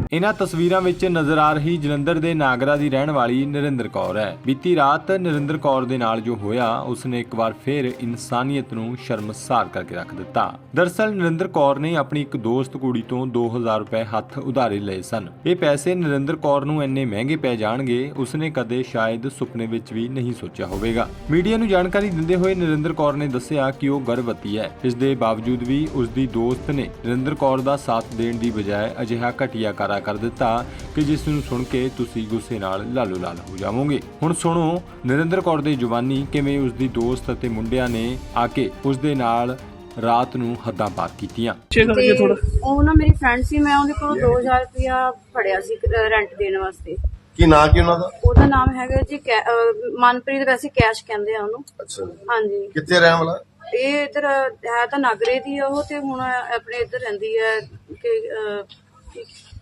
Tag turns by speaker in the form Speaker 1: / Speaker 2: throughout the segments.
Speaker 1: ਇਹਨਾਂ ਤਸਵੀਰਾਂ ਵਿੱਚ ਨਜ਼ਰ ਆ ਰਹੀ ਜਲੰਧਰ ਦੇ ਨਾਗਰਾ ਦੀ ਰਹਿਣ ਵਾਲੀ ਨਰਿੰਦਰ ਕੌਰ ਹੈ। ਬੀਤੀ ਰਾਤ ਨਰਿੰਦਰ ਕੌਰ ਦੇ ਨਾਲ ਜੋ ਹੋਇਆ ਉਸਨੇ ਇੱਕ ਵਾਰ ਫਿਰ ਇਨਸਾਨੀਅਤ ਨੂੰ ਸ਼ਰਮਸਾਰ ਕਰਕੇ ਰੱਖ ਦਿੱਤਾ। ਦਰਅਸਲ ਨਰਿੰਦਰ ਕੌਰ ਨੇ ਆਪਣੀ ਇੱਕ ਦੋਸਤ ਕੁੜੀ ਤੋਂ 2000 ਰੁਪਏ ਹੱਥ ਉਧਾਰੇ ਲਏ ਸਨ। ਇਹ ਪੈਸੇ ਨਰਿੰਦਰ ਕੌਰ ਨੂੰ ਇੰਨੇ ਮਹਿੰਗੇ ਪੈ ਜਾਣਗੇ ਉਸਨੇ ਕਦੇ ਸ਼ਾਇਦ ਸੁਪਨੇ ਵਿੱਚ ਵੀ ਨਹੀਂ ਸੋਚਿਆ ਹੋਵੇਗਾ। ਮੀਡੀਆ ਨੂੰ ਜਾਣਕਾਰੀ ਦਿੰਦੇ ਹੋਏ ਨਰਿੰਦਰ ਕੌਰ ਨੇ ਦੱਸਿਆ ਕਿ ਉਹ ਗਰਭਵਤੀ ਹੈ। ਇਸ ਦੇ ਬਾਵਜੂਦ ਵੀ ਉਸ ਦੀ ਦੋਸਤ ਨੇ ਨਰਿੰਦਰ ਕੌਰ ਦਾ ਸਾਥ ਦੇਣ ਦੀ ਬਜਾਏ ਅਜਿਹਾ ਘਟੀਆ ਕਾਰਾ ਕਰ ਦਿੱਤਾ ਕਿ ਜਿਸ ਨੂੰ ਸੁਣ ਕੇ ਤੁਸੀਂ ਗੁੱਸੇ ਨਾਲ ਲਾਲੋ ਲਾਲ ਹੋ ਜਾਵੋਗੇ। ਹੁਣ ਸੁਣੋ ਨਰਿੰਦਰ ਕੌਰ ਦੀ ਜ਼ੁਬਾਨੀ ਕਿਵੇਂ ਉਸ ਦੀ ਦੋਸਤ ਅਤੇ ਮੁੰਡਿਆਂ ਨੇ ਆ ਕੇ ਉਸ ਦੇ ਨਾਲ ਰਾਤ ਨੂੰ ਹੱਦਾਂ ਪਾਰ ਕੀਤੀਆਂ।
Speaker 2: ਉਹ ਨਾ ਮੇਰੀ ਫਰੈਂਡ ਸੀ, ਮੈਂ ਉਹਦੇ ਕੋਲੋਂ 2000 ਰੁਪਇਆ ਫੜਿਆ ਸੀ ਰੈਂਟ ਦੇਣ ਵਾਸਤੇ।
Speaker 3: ਕੀ ਨਾਂ ਕੀ ਉਹਨਾਂ ਦਾ?
Speaker 2: ਉਹਦਾ ਨਾਮ ਹੈਗਾ ਜੀ ਮਨਪ੍ਰੀਤ, ਵੈਸੇ ਕੈਸ਼ ਕਹਿੰਦੇ ਆ ਉਹਨੂੰ।
Speaker 3: ਅੱਛਾ,
Speaker 2: ਹਾਂਜੀ।
Speaker 3: ਕਿੱਥੇ ਰਹਿਣ ਵਾਲਾ?
Speaker 2: ਇਹ ਇੱਧਰ ਹੈ ਤਾਂ ਨਾਗਰੇ ਦੀ ਉਹ, ਤੇ ਹੁਣ ਆਪਣੇ ਇੱਧਰ ਰਹਿੰਦੀ ਹੈ ਕਿ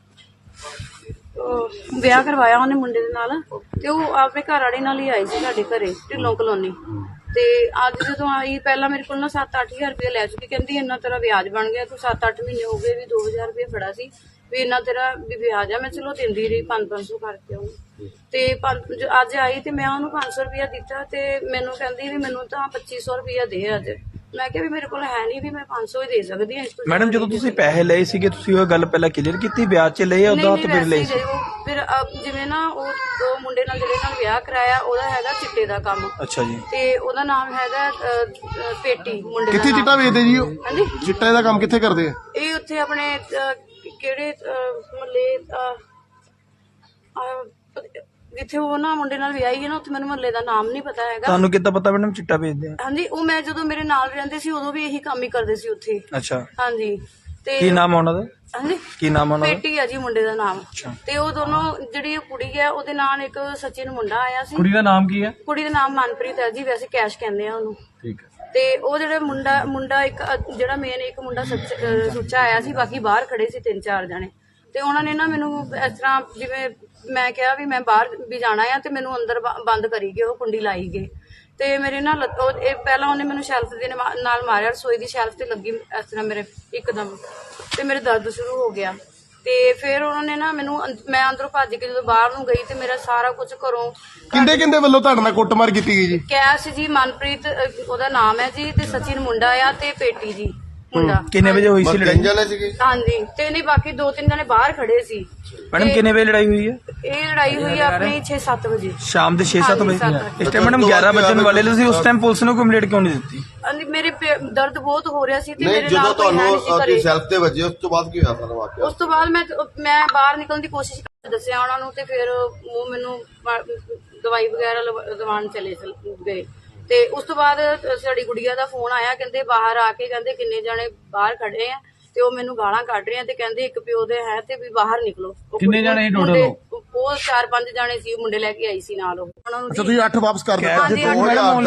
Speaker 2: ਵਿਆਹ ਕਰਵਾਇਆ ਉਹਨੇ ਮੁੰਡੇ ਦੇ ਨਾਲ, ਤੇ ਉਹ ਆਪਣੇ ਘਰ ਵਾਲੇ ਨਾਲ ਹੀ ਆਈ ਸੀ ਸਾਡੇ ਘਰੇ ਢਿੱਲੋਂ ਕਲੋਨੀ। ਤੇ ਅੱਜ ਜਦੋਂ ਆਈ ਪਹਿਲਾਂ ਮੇਰੇ ਕੋਲ ਨਾ 7-8000 ਰੁਪਏ ਲੈ ਚੁੱਕੀ। ਕਹਿੰਦੀ ਇੰਨਾ ਤੇਰਾ ਵਿਆਜ ਬਣ ਗਿਆ, ਤੂੰ 7-8 ਮਹੀਨੇ ਹੋ ਗਏ ਵੀ 2000 ਰੁਪਏ ਫੜਾ ਸੀ ਵੀ ਇੰਨਾ ਤੇਰਾ ਵੀ ਵਿਆਜ ਆ। ਮੈਂ ਚਲੋ ਦਿੰਦੀ ਰਹੀ 500 ਕਰਕੇ ਉਹਨੂੰ। ਤੇ ਅੱਜ ਆਈ ਤੇ ਮੈਂ ਉਹਨੂੰ 500 ਰੁਪਇਆ ਦਿੱਤਾ ਤੇ ਮੈਨੂੰ ਕਹਿੰਦੀ ਵੀ ਮੈਨੂੰ ਤਾਂ 2500 ਰੁਪਇਆ ਦੇ ਅੱਜ। ਮੈਂ ਕਿਹਾ ਵੀ ਮੇਰੇ ਕੋਲ ਹੈ ਨਹੀਂ, ਵੀ ਮੈਂ 500 ਹੀ ਦੇ ਸਕਦੀ ਹਾਂ।
Speaker 4: ਮੈਡਮ ਜਦੋਂ ਤੁਸੀਂ ਪੈਸੇ ਲਏ ਸੀਗੇ ਤੁਸੀਂ ਉਹ ਗੱਲ ਪਹਿਲਾਂ ਕਲੀਅਰ ਕੀਤੀ ਵਿਆਜ 'ਚ ਲਏ ਉਦੋਂ ਤਾਂ ਫਿਰ ਲਏ ਸੀ?
Speaker 2: ਫਿਰ ਜਿਵੇਂ ਨਾ ਉਹ ਮੁੰਡੇ ਨਾਲ ਜਿਹੜੇ ਨਾਲ ਵਿਆਹ ਕਰਾਇਆ ਉਹਦਾ ਹੈਗਾ ਚਿੱਟੇ ਦਾ ਕੰਮ।
Speaker 4: ਅੱਛਾ ਜੀ।
Speaker 2: ਤੇ ਉਹਦਾ ਨਾਮ ਹੈਗਾ ਪੇਟੀ ਮੁੰਡੇ ਦਾ।
Speaker 5: ਕਿੱਥੇ ਚਿੱਟਾ ਵੇਚਦੇ ਜੀ ਉਹ?
Speaker 2: ਹਾਂਜੀ,
Speaker 5: ਚਿੱਟੇ ਦਾ ਕੰਮ ਕਿੱਥੇ ਕਰਦੇ ਆ?
Speaker 2: ਇਹ ਉੱਥੇ ਆਪਣੇ ਕਿਹੜੇ ਮਹੱਲੇ ਜਿੱਥੇ ਉਹ ਨਾ ਮੁੰਡੇ ਨਾਲ ਵਿਆਹੀ ਹੈ ਨਾ, ਉੱਥੇ ਮੈਨੂੰ ਮਹੱਲੇ ਦਾ ਨਾਮ ਨਹੀਂ ਪਤਾ ਹੈਗਾ।
Speaker 4: ਤੁਹਾਨੂੰ ਕਿੱਦਾਂ ਪਤਾ ਮੈਡਮ ਚਿੱਟਾ ਵੇਚਦੇ ਆ?
Speaker 2: ਹਾਂਜੀ, ਉਹ ਮੈਂ ਜਦੋਂ ਮੇਰੇ ਨਾਲ ਰਹਿੰਦੇ ਸੀ ਉਦੋਂ ਵੀ ਇਹੀ ਕੰਮ ਹੀ ਕਰਦੇ ਸੀ ਉੱਥੇ।
Speaker 4: ਅੱਛਾ।
Speaker 2: ਹਾਂਜੀ। ਤੇ
Speaker 4: ਕੀ ਨਾਮ ਉਹਨਾਂ ਦਾ?
Speaker 2: ਹਾਂਜੀ,
Speaker 4: ਕੀ ਨਾਮ ਉਹਨਾਂ ਦਾ?
Speaker 2: ਪੇਟੀ ਆ ਜੀ ਮੁੰਡੇ ਦਾ ਨਾਮ। ਤੇ ਉਹ ਦੋਨੋਂ ਜਿਹੜੀ ਕੁੜੀ ਹੈ ਉਹਦੇ ਨਾਲ ਇੱਕ ਸਚਿਨ ਮੁੰਡਾ ਆਇਆ ਸੀ।
Speaker 4: ਕੁੜੀ ਦਾ ਨਾਮ ਕੀ ਹੈ?
Speaker 2: ਕੁੜੀ ਦਾ ਨਾਮ ਮਨਪ੍ਰੀਤ ਹੈ ਜੀ, ਵੈਸੇ ਕੈਸ਼ ਕਹਿੰਦੇ ਆ ਉਹਨੂੰ।
Speaker 4: ਠੀਕ ਹੈ।
Speaker 2: ਤੇ ਉਹ ਜਿਹੜਾ ਮੁੰਡਾ ਇੱਕ ਜਿਹੜਾ ਮੇਨ ਇੱਕ ਮੁੰਡਾ ਸੁੱਚਾ ਆਇਆ ਸੀ, ਬਾਕੀ ਬਾਹਰ ਖੜੇ ਸੀ 3-4 ਜਣੇ। ਤੇ ਉਹਨਾਂ ਨੇ ਨਾ ਮੈਨੂੰ ਇਸ ਤਰ੍ਹਾਂ ਜਿਵੇਂ ਮੈਂ ਕਿਹਾ ਵੀ ਮੈਂ ਬਾਹਰ ਵੀ ਜਾਣਾ ਆ ਤੇ ਮੈਨੂੰ ਅੰਦਰ ਬੰਦ ਕਰੀ ਗਏ, ਉਹ ਕੁੰਡੀ ਲਾਈ ਗਏ। ਤੇ ਮੇਰੇ ਨਾਲ ਪਹਿਲਾਂ ਉਹਨੇ ਮੈਨੂੰ ਸ਼ੈਲਫ ਦੇ ਨਾਲ ਮਾਰਿਆ, ਰਸੋਈ ਦੀ ਸ਼ੈਲਫ ਤੇ ਲੱਗੀ ਇਸ ਤਰ੍ਹਾਂ ਮੇਰੇ ਇੱਕਦਮ, ਤੇ ਮੇਰੇ ਦਰਦ ਸ਼ੁਰੂ ਹੋ ਗਿਆ। ਤੇ ਫਿਰ ਉਹਨਾਂ ਨੇ ਨਾ ਮੈਨੂੰ ਮੈਂ ਅੰਦਰੋਂ ਭੱਜ ਕੇ ਜਦੋਂ ਬਾਹਰ ਨੂੰ ਗਈ ਤੇ ਮੇਰਾ ਸਾਰਾ ਕੁਝ ਘਰੋਂ
Speaker 5: ਕਿੰਦੇ ਵੱਲੋਂ ਤੁਹਾਡੇ ਨਾਲ ਕੁੱਟਮਾਰ ਕੀਤੀ ਗਈ ਜੀ?
Speaker 2: ਕੈਸ਼ ਜੀ, ਮਨਪ੍ਰੀਤ ਉਹਦਾ ਨਾਮ ਹੈ ਜੀ, ਤੇ ਸਚਿਨ ਮੁੰਡਾ ਆ, ਤੇ ਪੇਟੀ ਜੀ ਮੁੰਡਾ।
Speaker 4: ਕਿੰਨੇ ਵਜੇ ਹੋਈ ਸੀ ਲੜਾਈ?
Speaker 3: ਜਾਣੇ ਸੀਗੇ?
Speaker 2: ਹਾਂਜੀ, ਤੇ ਨਹੀਂ ਬਾਕੀ 2-3 ਜਣੇ ਬਾਹਰ ਖੜੇ ਸੀ।
Speaker 4: ਮੈਡਮ ਕਿੰਨੇ ਵਜੇ ਲੜਾਈ ਹੋਈ ਹੈ?
Speaker 2: ਇਹ ਲੜਾਈ ਹੋਈ ਆ ਆਪਣੀ 6-7 ਵਜੇ
Speaker 4: ਸ਼ਾਮ ਦੇ 6-7 ਵਜੇ।
Speaker 2: ਹਾਂਜੀ,
Speaker 4: ਇਸ ਟਾਈਮ ਮੈਡਮ 11 ਵਜੇ ਵਾਲੇ ਤੁਸੀਂ ਉਸ ਟਾਈਮ ਪੁਲਿਸ ਨੂੰ ਕੰਪਲੇਂਟ ਕਿਉਂ ਨਹੀਂ ਦਿੱਤੀ?
Speaker 2: ਮੇਰੇ ਦਰਦ ਬਹੁਤ ਹੋ ਰਿਹਾ ਸੀ ਤੇ
Speaker 3: ਨਹੀਂ,
Speaker 2: ਮੇਰੇ
Speaker 3: ਜਦੋਂ
Speaker 2: ਨਾਲ ਕੋਈ ਹੈ ਨਹੀਂ ਸੀ
Speaker 3: ਤੁਹਾਨੂੰ
Speaker 2: ਘਰੇ।
Speaker 3: ਸੈਲਫ ਤੇ ਵੱਜੇ ਉਸ ਤੋਂ ਬਾਅਦ ਕੀ ਹੋਇਆ ਸਾਰਾ ਵਾਕਿਆ?
Speaker 2: ਉਸ ਤੋਂ ਬਾਅਦ ਮੈਂ ਬਾਹਰ ਨਿਕਲਣ ਦੀ ਕੋਸ਼ਿਸ਼ ਦੱਸਿਆ ਉਹਨਾਂ ਨੂੰ, ਤੇ ਫਿਰ ਉਹ ਮੈਨੂੰ ਦਵਾਈ ਵਗੈਰਾ ਦਵਾਉਣ ਚਲੇ ਗਏ। ਤੇ ਉਸ ਤੋਂ ਬਾਅਦ ਸਾਡੀ ਗੁੜੀਆ ਦਾ ਫੋਨ ਆਇਆ, ਕਹਿੰਦੇ ਬਾਹਰ ਆ ਕੇ ਕਹਿੰਦੇ ਕਿੰਨੇ ਜਣੇ ਬਾਹਰ ਖੜੇ ਆ ਤੇ ਉਹ ਮੈਨੂੰ ਗਾਲਾਂ ਕੱਢ ਰਹੇ ਆ ਤੇ ਕਹਿੰਦੇ ਇੱਕ ਪਿਓ ਦੇ ਹੈ ਤੇ ਵੀ ਬਾਹਰ ਨਿਕਲੋ।
Speaker 4: ਕਿੰਨੇ ਜਣੇ ਟੋਟਲ?
Speaker 2: ਉਹ 4-5 ਜਣੇ ਸੀ, ਮੁੰਡੇ ਲੈ ਕੇ ਆਈ ਸੀ ਨਾਲ ਉਹ। ਉਹਨਾਂ ਨੂੰ
Speaker 5: ਅੱਛਾ, ਤੁਸੀਂ 8 ਵਾਪਸ ਕਰ ਦਿੱਤਾ?
Speaker 2: ਹਾਂਜੀ,
Speaker 3: ਤੁਸੀਂ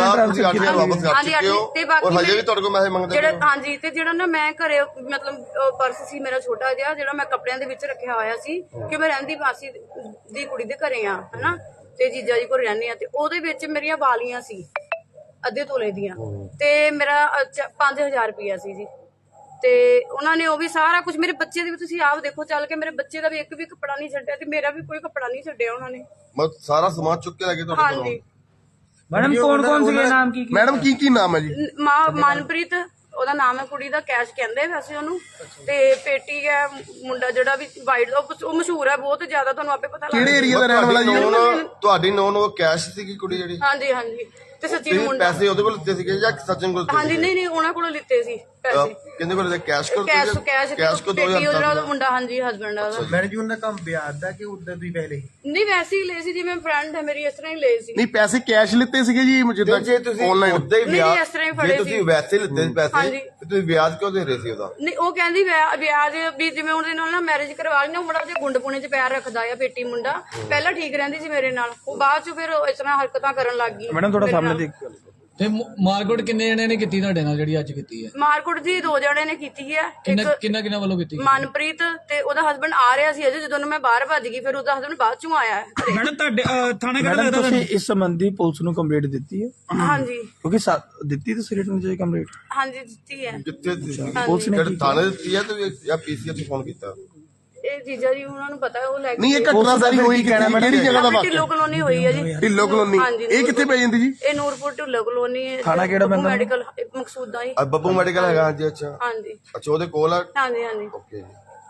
Speaker 3: 8 ਵਾਪਸ ਕਰ
Speaker 2: ਹਾਂਜੀ,
Speaker 3: ਚੁੱਕੇ ਹੋ
Speaker 2: ਤੇ ਬਾਕੀ
Speaker 3: ਔਰ ਹਜੇ ਵੀ ਤੁਹਾਡੇ ਕੋਲ ਪੈਸੇ ਮੰਗਦੇ
Speaker 2: ਜਿਹੜਾ ਹਾਂਜੀ, ਤੇ ਜਿਹੜਾ ਨਾ ਮੈਂ ਘਰੇ ਮਤਲਬ ਪਰਸ ਸੀ ਮੇਰਾ ਛੋਟਾ ਜਿਹਾ ਜਿਹੜਾ ਮੈਂ ਕੱਪੜਿਆਂ ਦੇ ਵਿੱਚ ਰੱਖਿਆ ਹੋਇਆ ਸੀ ਕਿ ਮੈਂ ਰਹਿੰਦੀ ਮਾਸੀ ਦੀ ਕੁੜੀ ਦੇ ਘਰੇ ਆ ਹਨਾ, ਤੇ ਜੀਜਾ ਜੀ ਕੋਲ ਰਹਿੰਦੀ ਆ, ਤੇ ਉਹਦੇ ਵਿੱਚ ਮੇਰੀਆਂ ਵਾਲੀਆਂ ਸੀ ਅੱਧੇ ਤੋਲੇ ਦੀਆਂ, ਤੇ ਮੇਰਾ 5000 ਰੁਪਇਆ ਸੀ ਜੀ। ਤੇ ਉਹਨਾਂ ਨੇ ਉਹ ਵੀ ਸਾਰਾ ਕੁਝ ਮੇਰੇ ਬੱਚੇ ਦੇ ਵੀ ਤੁਸੀਂ ਆਪ ਦੇਖੋ ਚੱਲ ਕੇ, ਮੇਰੇ ਬੱਚੇ ਦਾ ਵੀ ਇੱਕ ਵੀ ਕੱਪੜਾ ਨਹੀਂ ਛੱਡਿਆ ਤੇ ਮੇਰਾ ਵੀ ਕੋਈ ਕੱਪੜਾ ਨਹੀਂ ਛੱਡਿਆ ਉਹਨਾਂ ਨੇ।
Speaker 3: ਮਤਲਬ ਸਾਰਾ ਸਮਾਨ ਚੁੱਕ ਕੇ ਲੈ ਗਏ ਤੁਹਾਡੇ ਕੋਲੋਂ?
Speaker 2: ਹਾਂਜੀ।
Speaker 4: ਮੈਡਮ ਕੌਣ ਸੀਗੇ, ਨਾਮ ਕੀ?
Speaker 5: ਮੈਡਮ ਕੀ ਨਾਮ ਹੈ ਜੀ?
Speaker 2: ਮਨਪ੍ਰੀਤ ਉਹਦਾ ਨਾਮ ਹੈ, ਕੁੜੀ ਦਾ ਕੈਸ਼ ਕਹਿੰਦੇ ਵੈਸੇ ਉਹਨੂੰ, ਤੇ ਪੇਟੀ ਹੈ ਮੁੰਡਾ ਜਿਹੜਾ ਵੀ ਵਾਈਟ, ਉਹ ਮਸ਼ਹੂਰ ਹੈ ਬਹੁਤ ਜ਼ਿਆਦਾ, ਤੁਹਾਨੂੰ ਆਪੇ ਪਤਾ ਲੱਗ
Speaker 5: ਕਿਹੜੇ ਏਰੀਆ ਦਾ ਰਹਿਣ ਵਾਲਾ ਜੀ?
Speaker 3: ਤੁਹਾਡੀ ਨੋਨ ਉਹ ਕੈਸ਼ ਸੀਗੀ ਕੁੜੀ ਜਿਹੜੀ?
Speaker 2: ਹਾਂਜੀ ਹਾਂਜੀ। ਤੇ ਸੱਚੀ ਮੁੰਡਾ
Speaker 3: ਪੈਸੇ ਉਹਦੇ ਕੋਲ ਲਿੱਤੇ ਸੀਗੇ ਜਾਂ ਸਚਿਨ ਕੋਲ?
Speaker 2: ਹਾਂਜੀ, ਨਹੀਂ ਉਹਨਾਂ ਕੋਲੋਂ ਲਿੱਤੇ ਸੀ ਪੈਸੇ।
Speaker 3: ਕਿੰਨੇ ਕੋਲ ਲਿੱਤੇ? ਕੈਸ਼ ਕੋਲ?
Speaker 2: ਕੈਸ਼ ਕੋ 2000 ਦਾ ਮੁੰਡਾ। ਹਾਂਜੀ, ਹਸਬੈਂਡ ਦਾ।
Speaker 6: ਮੈਡਮ ਜੀ ਉਹਨਾਂ ਦਾ ਕੰਮ ਵਿਆਜ ਦਾ ਕਿ ਉਦਾਂ ਤੁਸੀਂ ਪਹਿਲੇ?
Speaker 2: ਨਹੀਂ, ਵੈਸੇ ਹੀ ਲਏ ਸੀ, ਜਿਵੇਂ ਫਰੈਂਡ ਹੈ ਮੇਰੀ ਇਸ ਤਰ੍ਹਾਂ ਹੀ ਲਏ ਸੀ।
Speaker 5: ਨਹੀਂ, ਪੈਸੇ ਕੈਸ਼ ਲਿੱਤੇ ਸੀਗੇ ਜੀ ਜਿੱਦਾਂ
Speaker 3: ਜੇ ਤੁਸੀਂ ਉਦਾਂ ਹੀ ਵਿਆਜ,
Speaker 2: ਇਸ ਤਰ੍ਹਾਂ ਹੀ ਫੜੇ ਸੀ।
Speaker 3: ਤੁਸੀਂ ਵੈਸੇ ਲਿੱਤੇ ਸੀ ਪੈਸੇ ਤੇ ਤੁਸੀਂ ਵਿਆਜ ਕਿਉਂ ਦੇ ਰਹੇ ਸੀ ਉਹਦਾ?
Speaker 2: ਨਹੀਂ, ਉਹ ਕਹਿੰਦੀ ਵਿਆਜ ਵੀ ਜਿਵੇਂ ਉਹਦੇ ਨਾਲ ਨਾ ਮੈਰਿਜ ਕਰਵਾ ਲਈ ਨਾ, ਮੁੰਡਾ ਉਹਦੇ ਗੁੰਡ ਪੁਣੇ 'ਚ ਪੈਰ ਰੱਖਦਾ ਆ, ਪੇਟੀ ਮੁੰਡਾ। ਪਹਿਲਾਂ ਠੀਕ ਰਹਿੰਦੀ ਸੀ ਮੇਰੇ ਨਾਲ, ਉਹ ਬਾਅਦ 'ਚ ਫਿਰ ਇਸ ਤਰ੍ਹਾਂ ਹਰਕਤਾਂ ਕਰਨ ਲੱਗ ਗਈ।
Speaker 4: ਮੈਡਮ ਤੁਹਾਡਾ ਸਾਹਮਣੇ ਦੇਖ।
Speaker 7: ਤੇ ਮਾਰਕੁੱਟ ਕਿੰਨੇ ਜਣਿਆਂ ਨੇ ਕੀਤੀ ਤੁਹਾਡੇ ਨਾਲ ਜਿਹੜੀ ਅੱਜ ਕੀਤੀ ਹੈ?
Speaker 2: ਮਾਰਕੁੱਟ ਜੀ 2 ਜਣੇ ਨੇ ਕੀਤੀ ਹੈ।
Speaker 7: ਕਿੰਨਾ ਵੱਲੋਂ ਕੀਤੀ?
Speaker 2: ਮਨਪ੍ਰੀਤ ਤੇ ਉਹਦਾ ਹਸਬੰਡ ਆ ਰਿਹਾ ਸੀ ਅਜੇ, ਜਦੋਂ ਮੈਂ ਬਾਹਰ ਭੱਜ ਗਈ, ਫਿਰ ਉਹਦਾ ਹਸਬੰਡ ਬਾਅਦ ਚੋਂ ਆਇਆ।
Speaker 4: ਮੈਡਮ ਤੁਹਾਡੇ ਥਾਣੇ ਕਿਹੜਾ ਤੁਸੀਂ ਇਸ ਸੰਬੰਧੀ ਪੁਲਿਸ ਨੂੰ ਕੰਪਲੇਂਟ ਦਿੱਤੀ ਹੈ?
Speaker 2: ਹਾਂਜੀ।
Speaker 4: ਕਿਉਂਕਿ ਦਿੱਤੀ ਤੁਸੀਂ ਰਿਟਨ ਚ ਕੰਪਲੇਂਟ?
Speaker 2: ਹਾਂਜੀ, ਦਿੱਤੀ ਹੈ।
Speaker 3: ਕਿੱਥੇ
Speaker 4: ਪੁਲਿਸ ਨੇ
Speaker 3: ਥਾਣੇ ਦਿੱਤੀ ਹੈ ਤੇ ਜਾਂ ਪੀਸੀਆਰ ਨੂੰ ਫੋਨ ਕੀਤਾ?
Speaker 2: ਇਹ ਚੀਜ਼ਾਂ ਜੀ ਉਹਨਾਂ ਨੂੰ ਪਤਾ, ਉਹ ਲੈ ਕੇ
Speaker 5: ਨਹੀਂ ਇਹ ਘਟਨਾ ਸਾਰੀ ਹੋਈ ਕਿਹੜੀ ਜਗ੍ਹਾ ਦਾ
Speaker 2: ਢਿੱਲੋਂ
Speaker 5: ਵਾਕਿਆ?
Speaker 2: ਕਲੋਨੀ ਹੋਈ ਹੈ ਜੀ।
Speaker 5: ਢਿੱਲੋਂ ਕਲੋਨੀ।
Speaker 2: ਹਾਂਜੀ,
Speaker 5: ਇਹ ਕਿੱਥੇ ਪੈ ਜਾਂਦੀ ਜੀ?
Speaker 2: ਇਹ ਨੂਰਪੁਰ ਢਿੱਲੋਂ ਕਲੋਨੀ ਹੈ।
Speaker 4: ਥਾਣਾ ਕਿਹੜਾ ਪੈਂਦਾ?
Speaker 2: ਮੈਡੀਕਲ ਮਕਸੂਦਾ ਜੀ।
Speaker 3: ਬੱਬੂ ਮੈਡੀਕਲ ਹੈਗਾ ਹਾਂਜੀ। ਅੱਛਾ
Speaker 2: ਹਾਂਜੀ
Speaker 3: ਅੱਛਾ ਉਹਦੇ ਕੋਲ ਆ।
Speaker 2: ਹਾਂਜੀ ਹਾਂਜੀ।
Speaker 3: ਓਕੇ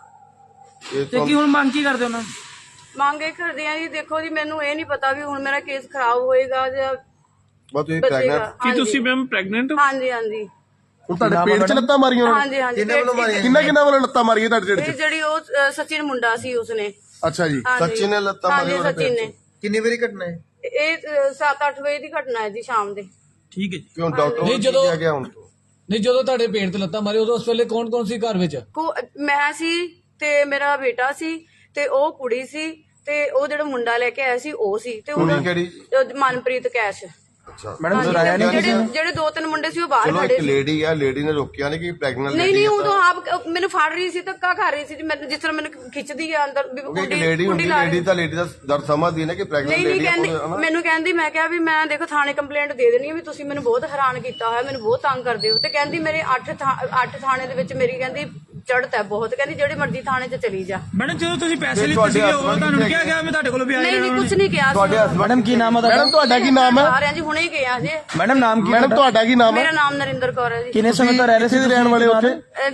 Speaker 3: ਜੀ। ਇਹ
Speaker 4: ਕੀ ਹੁਣ ਮੰਗ ਕੀ ਕਰਦੇ ਉਹਨਾਂ?
Speaker 2: ਮੰਗ ਇਹ ਕਰਦੇ ਆ ਜੀ, ਦੇਖੋ ਜੀ ਮੈਨੂੰ ਇਹ ਨਹੀਂ ਪਤਾ ਵੀ ਹੁਣ ਮੇਰਾ ਕੇਸ ਖਰਾਬ ਹੋਏਗਾ ਜਾਂ
Speaker 3: ਬਸ ਤੁਸੀਂ
Speaker 2: ਬਚੇਗਾ।
Speaker 3: ਪ੍ਰੈਗਨੈਂਟ
Speaker 2: ਕੀ ਤੁਸੀਂ
Speaker 4: ਮੈਮ ਪ੍ਰੈਗਨੈਂਟ?
Speaker 2: ਹਾਂਜੀ ਹਾਂਜੀ
Speaker 5: ਹੁਣ ਤੁਹਾਡੇ ਪੇਟ 'ਚ ਲੱਤਾਂ ਮਾਰੀਆਂ ਉਹਨਾਂ ਨੇ?
Speaker 2: ਹਾਂਜੀ ਹਾਂਜੀ।
Speaker 5: ਕਿੰਨਾ ਵੱਲੋਂ ਲੱਤਾਂ ਮਾਰੀਆਂ ਤੁਹਾਡੇ ਢਿੱਡ
Speaker 2: ਇਹ
Speaker 5: 'ਚ?
Speaker 2: ਜਿਹੜੀ ਉਹ ਸਚਿਨ ਮੁੰਡਾ ਸੀ ਉਸਨੇ।
Speaker 5: ਅੱਛਾ ਜੀ।
Speaker 2: ਹਾਂਜੀ।
Speaker 3: ਸਚਿਨ ਨੇ ਲੱਤਾਂ
Speaker 2: ਹਾਂਜੀ,
Speaker 3: ਮਾਰੀਆਂ
Speaker 2: ਸਚਿਨ ਨੇ।
Speaker 6: ਕਿੰਨੀ ਵਾਰੀ ਘਟਨਾ ਹੈ?
Speaker 2: ਇਹ 7-8 ਵਜੇ ਦੀ ਘਟਨਾ ਹੈ ਜੀ, ਸ਼ਾਮ ਦੇ।
Speaker 4: ਠੀਕ ਹੈ ਜੀ।
Speaker 3: ਕਿਉਂ ਡਾਕਟਰ
Speaker 7: ਨਹੀਂ,
Speaker 3: ਨੂੰ
Speaker 7: ਜਦੋਂ-
Speaker 3: ਕਿਹਾ ਗਿਆ ਹੁਣ ਤੋਂ?
Speaker 7: ਨਹੀਂ, ਜਦੋਂ ਤੁਹਾਡੇ ਪੇਟ ਤੇ ਲੱਤਾਂ ਮਾਰੀ ਉਦੋਂ ਉਸ ਵੇਲੇ ਕੌਣ ਸੀ ਘਰ ਵਿੱਚ?
Speaker 2: ਮੈਂ ਸੀ ਤੇ ਮੇਰਾ ਬੇਟਾ ਸੀ ਤੇ ਉਹ ਕੁੜੀ ਸੀ ਤੇ ਉਹ ਜਿਹੜਾ ਮੁੰਡਾ ਲੈ ਕੇ ਆਇਆ ਸੀ ਉਹ ਸੀ ਤੇ
Speaker 3: ਕੁੜੀ ਕਿਹੜੀ?
Speaker 2: ਮਨਪ੍ਰੀਤ ਕੈਸ਼।
Speaker 3: ਅੱਛਾ
Speaker 4: ਮੈਡਮ ਡਰਾਇਆ ਨਹੀਂ ਕਿਸੇ ਨੇ?
Speaker 2: ਜਿਹੜੇ 2-3 ਮੁੰਡੇ ਸੀ ਉਹ ਬਾਹਰ
Speaker 3: ਚਲੋ
Speaker 2: ਖੜੇ
Speaker 3: ਇੱਕ
Speaker 2: ਸੀ।
Speaker 3: ਲੇਡੀ ਆ, ਲੇਡੀ ਨੇ ਰੋਕਿਆ ਨਹੀਂ ਕਿ ਪ੍ਰੈਗਨੈਂਟ
Speaker 2: ਨਹੀਂ
Speaker 3: ਲੇਡੀ
Speaker 2: ਨਹੀਂ,
Speaker 3: ਆ
Speaker 2: ਉਹ ਤਾਂ ਆਪ ਮੈਨੂੰ ਫੜ ਰਹੀ ਸੀ, ਧੱਕਾ ਖਾ ਰਹੀ ਸੀ ਜੀ। ਮੈਨੂੰ ਜਿਸ ਤਰ੍ਹਾਂ ਮੈਨੂੰ ਖਿੱਚਦੀ ਆ ਅੰਦਰ ਵੀ
Speaker 3: ਕਿਉਂਕਿ ਇੱਕ ਲੇਡੀ ਹੁੰਦੀ,
Speaker 2: ਲਾ ਰਹੀ।
Speaker 3: ਲੇਡੀ ਦਾ ਦਰਦ ਸਮਝਦੀ ਨਾ ਕਿ ਪ੍ਰੈਗਨੈਂਟ
Speaker 2: ਨਹੀਂ ਨਹੀਂ,
Speaker 3: ਲੇਡੀ
Speaker 2: ਕਹਿੰਦੀ
Speaker 3: ਆ।
Speaker 2: ਮੈਨੂੰ ਕਹਿੰਦੀ, ਮੈਂ ਕਿਹਾ ਵੀ ਮੈਂ ਦੇਖੋ ਥਾਣੇ ਕੰਪਲੇਂਟ ਦੇ ਦੇਣੀ ਹੈ ਵੀ ਤੁਸੀਂ ਮੈਨੂੰ ਬਹੁਤ ਹੈਰਾਨ ਕੀਤਾ ਹੋਇਆ, ਮੈਨੂੰ ਬਹੁਤ ਤੰਗ ਕਰਦੇ ਹੋ। ਤੇ ਕਹਿੰਦੀ ਮੇਰੇ 8 ਥਾਣੇ ਦੇ ਵਿੱਚ ਮੇਰੀ ਕਹਿੰਦੀ ਚੜ੍ਹਤ ਹੈ ਬਹੁਤ, ਕਹਿੰਦੀ ਜਿਹੜੇ ਮਰਜ਼ੀ ਥਾਣੇ 'ਚ ਚਲੀ ਜਾ।
Speaker 4: ਮੈਡਮ ਜਦੋਂ ਤੁਸੀਂ ਪੈਸੇ
Speaker 3: ਤੇ
Speaker 4: ਲਿੱਤੇ
Speaker 3: ਤੁਹਾਡੇ
Speaker 4: ਸੀਗੇ ਉਹ
Speaker 3: husband
Speaker 4: ਤੁਹਾਨੂੰ
Speaker 3: ਕਿੱਥੇ
Speaker 4: ਕਿਹਾ ਗਿਆ ਮੈਂ ਤੁਹਾਡੇ ਕੋਲ ਵੀ
Speaker 2: ਨਹੀਂ ਨਹੀਂ, ਕੁਝ ਨਹੀਂ ਕਿਹਾ
Speaker 3: ਤੁਹਾਡੇ
Speaker 2: ਸੀ।
Speaker 3: husband
Speaker 4: ਮੈਡਮ ਕੀ ਨਾਮ ਹੈ
Speaker 5: ਮੈਡਮ ਤੁਹਾਡਾ ਕੀ ਨਾਮ ਹੈ?
Speaker 2: ਆ ਰਿਹਾ ਜੀ, ਹੁਣੇ ਹੀ ਗਿਆ ਜੀ।
Speaker 4: ਮੈਡਮ ਨਾਮ ਕੀ?
Speaker 5: ਮੈਡਮ ਤੁਹਾਡਾ ਕੀ ਨਾਮ ਹੈ?
Speaker 2: ਮੇਰਾ ਨਾਮ ਨਰਿੰਦਰ ਕੌਰ ਹੈ ਜੀ।
Speaker 4: ਕਿੰਨੇ ਸਮੇਂ ਤੋਂ ਰਹਿ ਰਹੇ ਸੀ
Speaker 5: ਕਿੱਥੇ ਦੇ ਰਹਿਣ ਵਾਲੇ ਉੱਥੇ?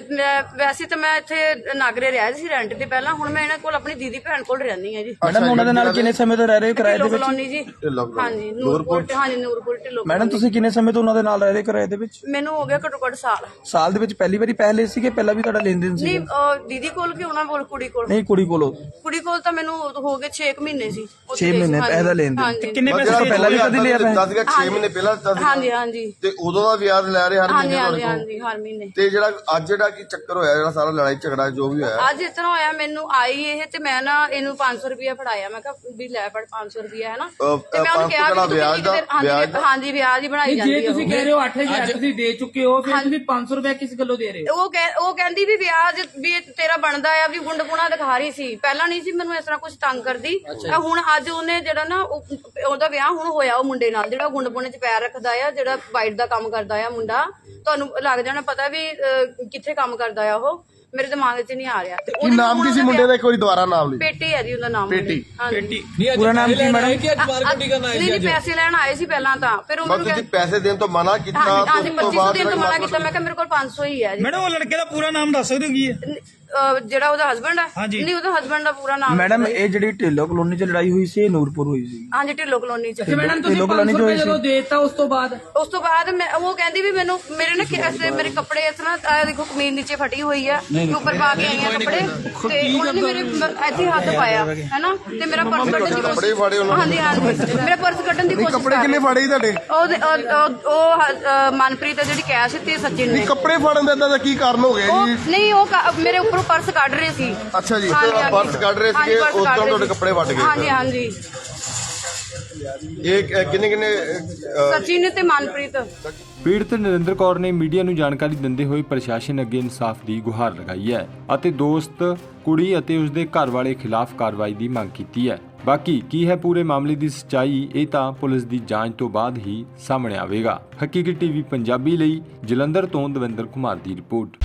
Speaker 2: ਵੈਸੇ ਤਾਂ ਮੈਂ ਇੱਥੇ ਨਾਗਰੇ ਰਿਹਾ ਸੀ ਰੈਂਟ ਤੇ ਪਹਿਲਾਂ, ਹੁਣ ਮੈਂ ਇਹਨਾਂ ਕੋਲ ਆਪਣੀ ਦੀਦੀ ਭੈਣ ਕੋਲ ਰਹਿੰਦੀ ਹਾਂ ਜੀ।
Speaker 4: ਮੈਡਮ ਉਹਨਾਂ ਦੇ ਨਾਲ ਕਿੰਨੇ ਸਮੇਂ ਤੋਂ ਰਹਿ ਰਹੇ ਹੋ ਕਿਰਾਏ ਦੇ
Speaker 2: ਢਿੱਲੋਂ
Speaker 4: ਵਿੱਚ?
Speaker 2: ਕਲੋਨੀ ਜੀ।
Speaker 3: ਢਿੱਲੋਂ ਕਲੋਨੀ।
Speaker 2: ਹਾਂਜੀ ਨੂਰਪੁਰ, ਹਾਂਜੀ ਨੂਰਪੁਰ ਢਿੱਲੋਂ
Speaker 4: ਮੈਡਮ
Speaker 2: ਕਲੋਨੀ।
Speaker 4: ਤੁਸੀਂ ਕਿੰਨੇ ਸਮੇਂ ਤੋਂ ਉਹਨਾਂ ਦੇ ਨਾਲ ਰਹਿ ਰਹੇ ਹੋ ਕਿਰਾਏ ਦੇ ਵਿੱਚ?
Speaker 2: ਮੈਨੂੰ ਹੋ ਗਿਆ ਘੱਟੋ ਘੱਟ ਸਾਲ।
Speaker 4: ਸਾਲ ਦੇ ਵਿੱਚ ਪਹਿਲੀ ਵਾਰੀ ਪੈਸੇ ਲਏ ਸੀਗੇ? ਪਹਿਲਾਂ ਵੀ ਤੁਹਾਡਾ ਲੈਣ ਦੇਣ ਸੀ?
Speaker 2: ਨਹੀਂ ਦੀਦੀ ਕੋਲ ਕਿ ਉਹਨਾਂ ਕੋਲ, ਕੁੜੀ ਕੋਲ?
Speaker 4: ਨਹੀਂ ਕੁੜੀ ਕੋਲੋਂ।
Speaker 2: ਕੁੜੀ ਕੋਲ ਤਾਂ ਮੈਨੂੰ ਹੋ ਗਏ 6 ਮਹੀਨੇ ਸੀ।
Speaker 4: 6 ਮਹੀਨੇ ਪੈਸੇ ਦਾ ਲੈਣ ਦੇਣ।
Speaker 2: ਹਾਂਜੀ
Speaker 4: ਕਿੰਨੇ ਪੈਸੇ ਪਹਿਲਾਂ ਵੀ ਕਦੀ ਲਿਆ
Speaker 3: ਦੱਸ ਗਿਆ 6 ਮਹੀਨੇ ਪਹਿਲਾਂ ਦੱਸ ਗਿਆ।
Speaker 2: ਹਾਂਜੀ ਹਾਂਜੀ
Speaker 3: ਤੇ ਉਦੋਂ ਦਾ ਵਿਆਜ ਲੈ ਰਹੇ ਹਰ
Speaker 2: ਹਾਂਜੀ
Speaker 3: ਮਹੀਨੇ
Speaker 2: ਹਾਂਜੀ
Speaker 3: ਤੁਹਾਡੇ ਕੋਲ।
Speaker 2: ਹਾਂਜੀ, ਹਰ ਮਹੀਨੇ।
Speaker 3: ਤੇ ਜਿਹੜਾ ਅੱਜ ਜਿਹੜਾ ਕੀ ਚੱਕਰ ਹੋਇਆ, ਜਿਹੜਾ ਸਾਰਾ ਲੜਾਈ ਝਗੜਾ ਜੋ ਵੀ ਹੋਇਆ,
Speaker 2: ਅੱਜ ਇਸ ਤਰ੍ਹਾਂ ਹੋਇਆ, ਮੈਨੂੰ ਆਈ ਇਹ ਤੇ ਮੈਂ ਨਾ ਇਹਨੂੰ 500 ਰੁਪਇਆ ਫੜਾਇਆ। ਮੈਂ ਕਿਹਾ ਵੀ ਲੈ ਫੜ 500 ਰੁਪਇਆ ਹੈ ਨਾ। ਤੇ ਮੈਂ ਉਹਨੂੰ ਕਿਹਾ ਵੀ ਤੁਸੀਂ
Speaker 3: ਵਿਆਜ ਦਾ
Speaker 2: ਹਾਂਜੀ ਵਿਆਜ ਹੀ ਬਣਾਈ ਜਾਂਦੀ ਹੈ।
Speaker 8: ਜੇ ਤੁਸੀਂ ਕਹਿ ਰਹੇ ਹੋ 8000 ਤੁਸੀਂ ਦੇ ਚੁੱਕੇ ਹੋ, ਫਿਰ ਤੁਸੀਂ 500 ਰੁਪਏ ਕਿਸ ਗੱਲੋਂ ਦੇ ਰਹੇ ਹੋ?
Speaker 2: ਉਹ ਕਹਿੰਦੀ ਵੀ ਵਿਆਜ ਵੀ ਤੇਰਾ ਬਣਦਾ ਆ, ਵੀ ਗੁੰਡਪੁਣਾ ਦਿਖਾ ਰਹੀ ਸੀ। ਪਹਿਲਾਂ ਨਹੀਂ ਸੀ ਮੈਨੂੰ ਇਸ ਤਰ੍ਹਾਂ ਕੁਝ ਤੰਗ ਕਰਦੀ। ਹੁਣ ਅੱਜ ਉਹਨੇ ਜਿਹੜਾ ਨਾ ਉਹਦਾ ਵਿਆਹ ਹੁਣ ਹੋਇਆ ਉਹ ਮੁੰਡੇ ਨਾਲ, ਜਿਹੜਾ ਗੁੰਡਪੁਣੇ 'ਚ ਪੈਰ ਰੱਖਦਾ ਆ, ਜਿਹੜਾ ਵਾਈਟ ਦਾ ਕੰਮ ਕਰਦਾ ਆ ਮੁੰਡਾ। ਤੁਹਾਨੂੰ ਲੱਗ ਜਾਣਾ ਪਤਾ ਵੀ ਕਿੱਥੇ ਕੰਮ ਕਰਦਾ ਆ ਉਹ, ਮੇਰੇ ਦਿਮਾਗ 'ਚ ਨਹੀਂ ਆ ਰਿਹਾ। ਤੇ
Speaker 5: ਕੀ ਨਾਮ ਕੀ ਸੀ ਮੁੰਡੇ ਦਾ? ਇੱਕ ਵਾਰੀ ਦੁਬਾਰਾ ਨਾਮ ਲਈ।
Speaker 2: ਪੇਟੀ ਹੈ ਜੀ ਉਹਦਾ ਨਾਮ।
Speaker 5: ਪੇਟੀ।
Speaker 2: ਹਾਂਜੀ।
Speaker 7: ਨਹੀਂ ਅੱਜ
Speaker 4: ਪੂਰਾ ਨਾਮ ਕੀ
Speaker 7: ਪੈਸੇ ਲੈਣ
Speaker 4: ਮੈਡਮ?
Speaker 7: ਆਏ ਕਿ ਅੱਜ ਮਾਰਕੀਟਿੰਗ ਕਰਨ ਆਏ
Speaker 2: ਨਹੀਂ
Speaker 7: ਸੀ
Speaker 2: ਨਹੀਂ,
Speaker 7: ਅੱਜ?
Speaker 2: ਪੈਸੇ ਲੈਣ ਆਏ ਸੀ ਪਹਿਲਾਂ ਤਾਂ, ਫਿਰ ਉਹਨਾਂ
Speaker 3: ਬਸ
Speaker 2: ਨੂੰ
Speaker 3: ਤੁਸੀਂ ਪੈਸੇ ਦੇਣ ਤੋਂ ਮਨਾ ਕੀਤਾ।
Speaker 2: ਹਾਂਜੀ
Speaker 3: ਉਸ ਤੋਂ
Speaker 2: 2500
Speaker 3: ਬਾਅਦ
Speaker 2: ਦੇਣ ਤੋਂ ਮਨਾ ਕੀਤਾ। ਮੈਂ ਕਿਹਾ ਮੇਰੇ ਕੋਲ 500 ਹੀ ਹੈ ਜੀ।
Speaker 4: ਮੈਡਮ ਉਹ ਲੜਕੇ ਦਾ ਪੂਰਾ ਨਾਮ ਦੱਸ ਸਕਦੇ ਹੋ ਕੀ ਹੈ?
Speaker 2: ਜਿਹੜਾ ਉਹਦਾ ਹਸਬੰਡ ਹੈ? ਨਹੀਂ, ਉਹਦਾ ਹਸਬੰਡ ਦਾ ਪੂਰਾ ਨਾਮ।
Speaker 4: ਮੈਡਮ ਇਹ ਜਿਹੜੀ ਢਿੱਲੋਂ ਕਲੋਨੀ 'ਚ ਲੜਾਈ ਹੋਈ ਸੀ ਇਹ ਨੂਰਪੁਰ ਹੋਈ ਸੀ?
Speaker 2: ਹਾਂਜੀ ਢਿੱਲੋਂ ਕਲੋਨੀ 'ਚ।
Speaker 8: ਤੇ ਮੈਡਮ ਤੁਸੀਂ
Speaker 4: ਢਿੱਲੋਂ
Speaker 8: 500
Speaker 4: ਕਲੋਨੀ ਚ
Speaker 8: ਰੁਪਏ
Speaker 4: ਹੋਈ ਸੀ?
Speaker 8: ਜਦੋਂ ਦੇਤਾ ਉਸ ਤੋਂ ਬਾਅਦ
Speaker 2: ਮੈਂ ਉਹ ਕਹਿੰਦੀ ਵੀ ਮੈਨੂੰ ਮੇਰੇ ਨਾ ਮੇਰੇ ਕੱਪੜੇ ਇਸ ਤਰ੍ਹਾਂ ਦੇਖੋ, ਕਮੀਜ਼ ਨੀਚੇ ਫਟੀ ਹੋਈ ਆ, ਉੱਪਰ ਪਾ ਕੇ ਆਈਆਂ ਕੱਪੜੇ, ਤੇ ਉਹਨਾਂ ਨੇ ਮੇਰੇ ਇੱਥੇ ਹੱਥ ਪਾਇਆ ਹੈਨਾ, ਤੇ ਮੇਰਾ ਪਰਸ ਕੱਢਣ ਦੀ
Speaker 3: ਕੱਪੜੇ ਫਾੜੇ ਉਹਨਾਂ
Speaker 2: ਹਾਂਜੀ ਹਾਂਜੀ, ਮੇਰਾ ਪਰਸ ਕੱਢਣ ਦੀ ਕੋਸ਼ਿਸ਼
Speaker 5: ਕੱਪੜੇ ਕਿੰਨੇ ਫਾੜੇ ਸੀ ਤੁਹਾਡੇ?
Speaker 2: ਉਹ ਮਨਪ੍ਰੀਤ ਜਿਹੜੀ ਕੈਸ਼ ਤੇ ਸਚਿਨ ਨੇ।
Speaker 5: ਕੱਪੜੇ ਫਾੜਨ ਦਾ ਏਦਾਂ ਦਾ ਕੀ ਕਾਰਨ ਹੋ ਗਿਆ
Speaker 2: ਉਹ
Speaker 5: ਜੀ?
Speaker 2: ਨਹੀਂ, ਉਹ ਮੇਰੇ ਉੱਪਰੋਂ ਪਰਸ ਕੱਢ ਰਹੇ ਸੀ।
Speaker 5: ਅੱਛਾ ਜੀ।
Speaker 2: ਹਾਂਜੀ, ਹਾਂਜੀ।
Speaker 3: ਪਰਸ ਕੱਢ ਰਹੇ
Speaker 2: ਹਾਂਜੀ,
Speaker 3: ਸੀਗੇ,
Speaker 2: ਪਰਸ
Speaker 3: ਉਸ
Speaker 2: ਕੱਢ
Speaker 3: ਤੋਂ
Speaker 2: ਰਹੇ
Speaker 3: ਤੁਹਾਡੇ
Speaker 2: ਸੀ।
Speaker 3: ਕੱਪੜੇ ਵੱਟ ਗਏ।
Speaker 2: ਹਾਂਜੀ ਹਾਂਜੀ,
Speaker 3: ਇਹ ਕਿੰਨੇ
Speaker 2: ਸਚਿਨ ਤੇ ਮਨਪ੍ਰੀਤ।
Speaker 1: ਪੀੜਤ ਨਰਿੰਦਰ ਕੌਰ ਨੇ ਮੀਡੀਆ ਨੂੰ ਜਾਣਕਾਰੀ ਦਿੰਦੇ ਹੋਏ ਪ੍ਰਸ਼ਾਸਨ ਅੱਗੇ ਇਨਸਾਫ ਦੀ ਗੁਹਾਰ ਲਗਾਈ ਹੈ ਅਤੇ ਦੋਸਤ, ਕੁੜੀ ਅਤੇ ਉਸਦੇ ਘਰ ਵਾਲੇ ਖਿਲਾਫ ਕਾਰਵਾਈ ਦੀ ਮੰਗ ਕੀਤੀ ਹੈ। ਬਾਕੀ ਕੀ ਹੈ ਪੂਰੇ ਮਾਮਲੇ ਦੀ ਸੱਚਾਈ, ਇਹ ਤਾਂ ਪੁਲਿਸ ਦੀ ਜਾਂਚ ਤੋਂ ਬਾਅਦ ਹੀ ਸਾਹਮਣੇ ਆਵੇਗਾ। ਹਕੀਕਤ ਟੀਵੀ ਪੰਜਾਬੀ ਲਈ ਜਲੰਧਰ ਤੋਂ ਦਵਿੰਦਰ ਕੁਮਾਰ ਦੀ ਰਿਪੋਰਟ।